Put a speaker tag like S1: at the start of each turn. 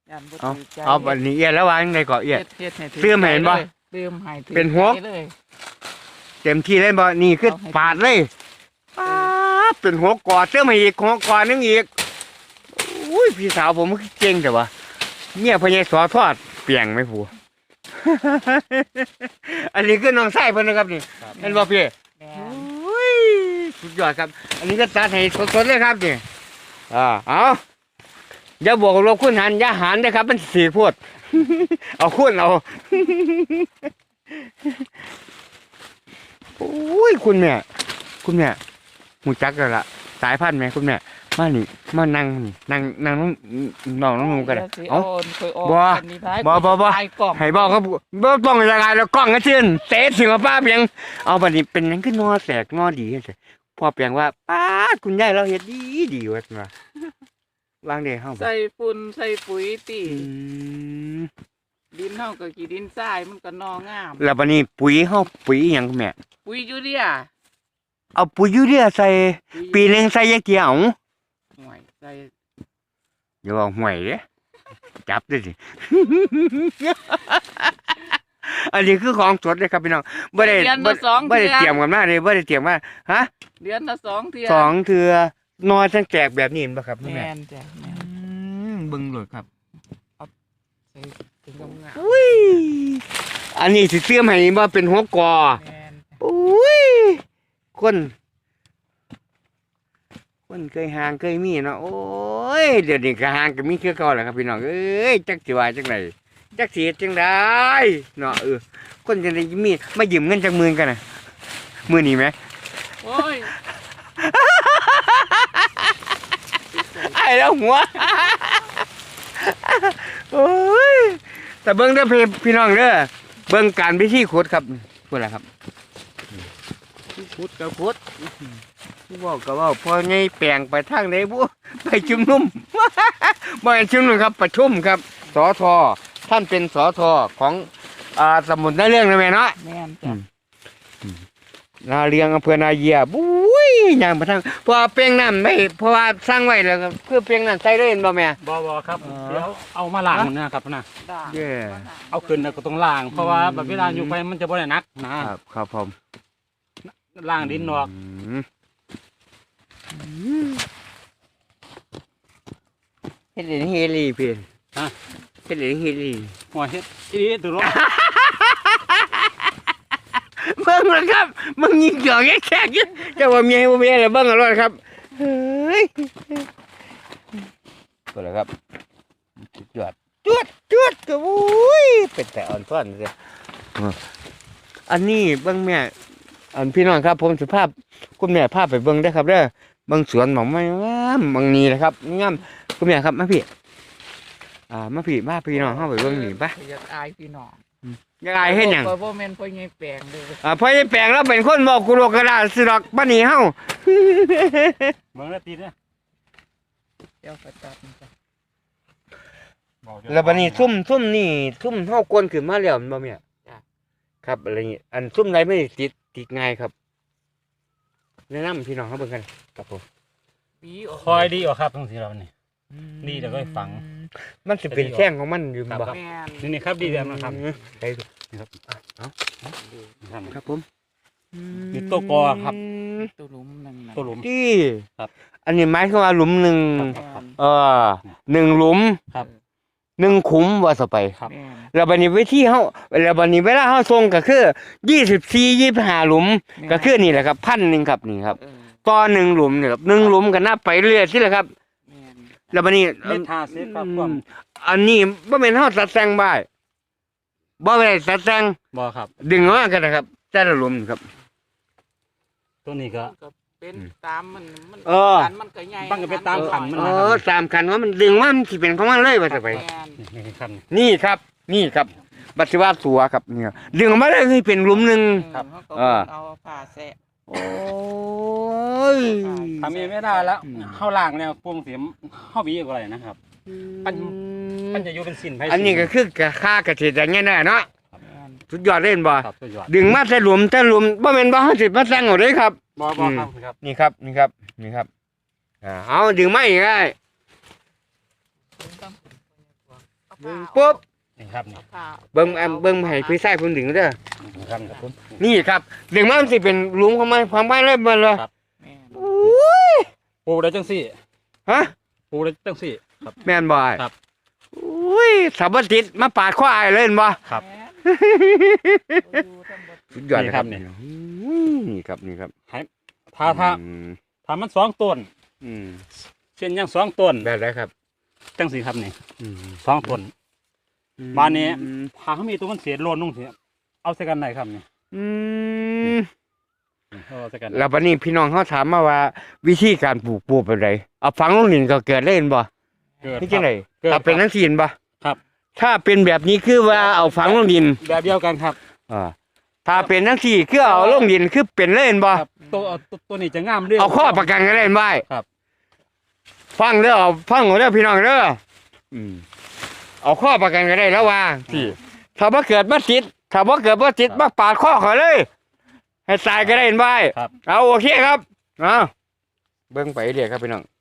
S1: ยันบ่
S2: เอา
S1: ถือใจ
S2: เอาบัดนี้เอียแล้ววางในเกาะเอีย
S1: เฮ็ดให้ถื
S2: เสื่อมให้เห็นบ่
S1: เสื่อมให้ถือ
S2: เป็นหัว
S1: ใจเลย
S2: เต็มที่เลยบ่นี่คือ
S1: เอาให้
S2: ปาดเลยป๊าดเป็นหัวกอดเสื้อมาอีกหัวกอดนึงอีกอุ้ยพี่สาวผมมันเก่งแต่ว่าเนี่ยพญายสอทอดเปียงไหมผู้ อันนี้คือน้องไส้เพิ่นนะครับนี่เห็นบ่พี่
S1: แม่น
S2: อุ้ยสุดยอดครับ อันนี้ก็ตัดให้สดๆเลยครับนี่เอาอย่าบวกลบคูณหารอย่าหารนะครับมันสีโพด เอาคูณเอา โอ้ยคุณแม่หูจักแล้วล่ะสายพันธุ์ไหมคุณแม่มานี่มานั่งน้องนุ่มกันเลย
S1: ดี๋ยวสิ
S2: เอา
S1: ค่อยออก
S2: บ่
S1: กันนี่ท้าย
S2: บ่
S1: ท้ายกล่อง
S2: ให้บอกครับบ่ต้องยังไงแล้วกล้องก็เชื่อนเตะถึงกับป้าเพียงเอาบัดนี้เป็นหยังขึ้นนอแสกนอดีจังพ่อเพียงว่าป้าดคุณยายเราเฮ็ดดีว่าซั่นว่าวางเด้เฮาบ่
S1: ใส่ฝุ่นใส่ปุ๋ยติ
S2: อืม
S1: ดินเฮาก็กี่ดินทรายมันก็นองาม
S2: แล้วบัดนี้ปุ๋ยเฮาปุ๋ยหยังคุณแม่
S1: ปุ๋ยยูเรีย
S2: เอาปุ๋ยยูเรียใส่
S1: ปุ๋ย
S2: ปีหนึงใส่ยักเกี่ยว
S1: ห่วยใส่
S2: อย่าบอกห่วยเด้จับด้วยสิ อันนี้คือของสดเลยครับพี่น้องบ่ได้
S1: เดือนละสอง
S2: บ่ได้
S1: เทื่อ
S2: เตรียมกันมาเลยบ่ได้เตรียมมาฮะ
S1: เดือนละ2เทื่อ
S2: สองเทือนอนทั้งแจกแบบนี้เห็นบ่ครับคุณแม่
S1: แม่นจ้ะแม่น
S2: เบิ่งโลดครับ
S1: ใส่ถึงงาม
S2: อุ้ยอันนี้สิเสื่อมให้บ่เป็นหัวกอ
S1: แม่น
S2: อุ้ยคนเคยห่างเคยมีเนาะโอ้ยเดี๋ยวนี้ก็ห่างก็มีคือเก่าแหละครับพี่น้องเอ้ยจักสิว่าจังไดจักสิเฮ็ดจังไดเนาะคนจังไดมีมายืมเงินจักหมื่นกันน่ะมื้อนี้แหม
S1: โอ้ย
S2: ไอ้แล้วหัว โอ้ยแต่เบิ่งเด้อพี่น้องเด้อเบิ่งการพิธีขุดครับพูดล่ะครับขุดก็ขุดเว้าก็เว้าพอไงแปลงไปทางไหนบ่ไปชุมนุม บ่แม่นชุมนุมครับประชุมครับสทท่านเป็นสทของสมุนไพรเรื่องนะแม่เนาะ
S1: แม่นจ้ะ
S2: นาเลียงอำเภอนาเยียบุ้ยย่างไปทางเพราะว่าเปียงน้ำไม่เพราะว่าสร้างไว้แล้วก็คือเปียงน้ำใส่เลยเห็นบ่แม่
S3: บ่ครับเดี๋ยวเอามาล้างนะครับนะ
S1: ด่าง
S2: เย้
S3: เอาขึ้นแล้วก็ต้องล้างเพราะว่าแบบเวลาอยู่ไปมันจะบ่ได้หนักนะครับ
S2: ครับผม
S3: ล้างดินออก
S2: เฮ็ดเฮลีเพิ่นเฮ็ดเฮลี
S3: หัวเฮ็ดอีตัวรถ
S2: เบิ่งแล้วครับมึงยิงหยอกแขกอยู่เจ้าว่าเมียบ่เมียแล้วเบิ่งเอารอดครับเฮ้ยก็แล้วครับจวดก็โอ้ยเป็นแต่อ่อนซ่อนเด้อันนี้เบิ่งแม่อันพี่น้องครับผมสิพาคุณแม่พาไปเบิ่งได้อครับเด้อเบิ่งสวนหม่องไม้งามบางนี้นะครับงามคุณแม่ครับมาพี่มาพี่น้องเฮาไปเบิ่งนี่ปะ
S1: อยากอายพี่น้อง
S2: อยากอายเฮ็ดหยัง
S1: บ่แม่นพ่อใหญ่แปลงเด้อ
S2: พอไอ้แปลงแล้วเป็นคนบอกกุโลกระดาษสิดอกบ้านนี้เฮา
S3: เบิ่งแล้วตีเนี่ย
S1: เดี๋ยวก็ตัดมันจ้ะ
S2: แล้วบ้านนี้ซุ่มนี่ซุ่มเฮากวนขึ้นมาแล้วแม่นบ่แม่ครับอะไรนี้อันซุ่มไรไม่ได้ติดง่ายครับแนะนำพี่น้องเฮาเบิ่งกันครับผม
S1: ปีออก
S3: คอยดีออกครับทั้งสี่เรานี่ นี่เดี๋ยวก็ให้ฟัง
S2: มันสิเป็นแข้งของมันอยู่บ่
S1: แม่น
S3: นี่ครับดีแล้วนะครับ
S2: ใช่
S3: นี่ครับ
S2: ครับผม
S3: นี่ตัวกอครับ
S1: ตัวหลุมนั่นน่ะ
S3: ตัวหลุม
S2: ที่
S3: ครับ
S2: อันนี้หมายความว่าหลุมหนึ่ง
S1: แม่น
S2: 1หลุม
S3: ครับ
S2: 1ขุมว่าซะไป
S3: ครับ
S1: แม่น
S2: แล้วบัดนี้วิธีเฮาแล้วบัดนี้เวลาเฮาส่งก็คือ24 25หลุมก็คือนี่แหละครับ1,000ครับนี่ครับ
S1: เออ
S2: ต่อ1หลุมนี่ครับ1หลุมก็นับไปเรื่อยสิแหละครับ
S1: แม่น
S2: แล้วบัดนี้
S3: เม็ด50ครับความ
S2: อันนี้บ่แม่นเฮาตัดแต่งบ่ายบ่ได้ตัดแต่ง
S3: บ่ครับ
S2: ดึงออกมากันนะครับแต่ละหลุมนี่ครับ
S3: ตัวนี้ก็
S1: ก็เป็นตามมัน
S2: เออ
S1: ขันมันก็ใหญ่
S3: มันก็เป็นตามขันมัน
S2: ตามคันว่ามันดึงว่ามันสิเป็นของมันเลยว่าจะไป
S1: แม่น
S3: นี่ครับ
S2: นี่ครับบัดสิว่าสัวครับเนี่ยดึงออกมาเลยให้เป็นหลุมหนึง
S1: เขาก็
S2: เออ
S1: เอาผ้าแสะ
S2: โอ้ย
S3: ทำเองไม่ได้แล้วเฮาล้างแล้วพวงเสียมเฮาบีก็ได้นะครับ มันจะอยู่เป็นสินไผ
S2: อันนี้ก็คือค่าเกษตรอย่างเงี้ยนะเนาะ
S1: แม่น
S2: สุดยอดเล่นบ่
S3: ครับตัวยอด
S2: ดึงมาแต่หลุมบ่แม่นบ่เฮาสิมาแต่งเอาเด้ครับ
S3: บ่ครับ
S2: นี่ครับเอาดึงมาอีกได้ดึงปุ๊บ
S3: นี่ครับนี่
S1: ผ่า
S2: เบิ่งให้พี่ชายผมดึงเด้อ
S3: นี่ครับผม
S2: นี่ครับดึงมามันสิเป็นหลุมของมันความบ้านเลยมันเลย
S1: แม่น
S2: อุ้ย
S3: ปลูกได้จังซี่
S2: ฮะ
S3: ปลูกได้จังซี่ครับ
S2: แม่นบ่อ้าย
S3: ครับ
S2: อุ้ยสับปะติดมาปาดข้ออ้ายเลยเห็นบ่
S3: ครับ
S1: แม่นอยู่ทั้งหมด
S2: สุดยอดเลยครับ
S3: นี่
S2: นี่ครับนี่ครับ
S3: ถ้า
S2: อืม
S3: ถ้ามันสองต้น
S2: อืม
S3: เช่นยังสองต้น
S2: แบบไรครับ
S3: จังซี่ครับนี่
S2: อืม
S3: สองต้น บ้านนี้
S2: อืม
S3: ถ้าเขามีตัวมันเสียโลนลงเสียเอาใส่กันไหนครับนี่
S2: อืม
S3: เอาใส่กัน
S2: แล้ววันนี้พี่น้องเขาถามมาว่า วิธีการปลูกเป็นไรเอาฝังลงดินก็เกิดได้เห็นบ่
S3: เกิด
S2: นี่จังได
S3: เกิด
S2: ถ้าเป็นนักศิลป์บ่
S3: ครับ
S2: ถ้าเป็นแบบนี้คือว่าเอาฝังลงดิน
S3: แบบเดียวกันครับ
S2: อ่าถ้าเป็นนักศิลป์คือเอาลงดินคือเป็นเลยเห็นบ่
S3: ครับตัวนี้จะงามเรื่
S2: เอาข้อประกันกันได้เห็นบ่
S3: ครับ
S2: ฟังเด้อเอาฟังเอาเด้อพี่น้องเด้ออืมเอาข้อประกันกันได้แล้วว่าที่ถ้าบ่เกิดบ่ติดถ้าบ่เกิดบ่ติดมาปาดข้อเขาเลย ให้ตายก็ได้เห็นบ่
S3: ครับ
S2: เอาโอเคครับเอาเบิ่งไปเรื่อยครับพี่น้อง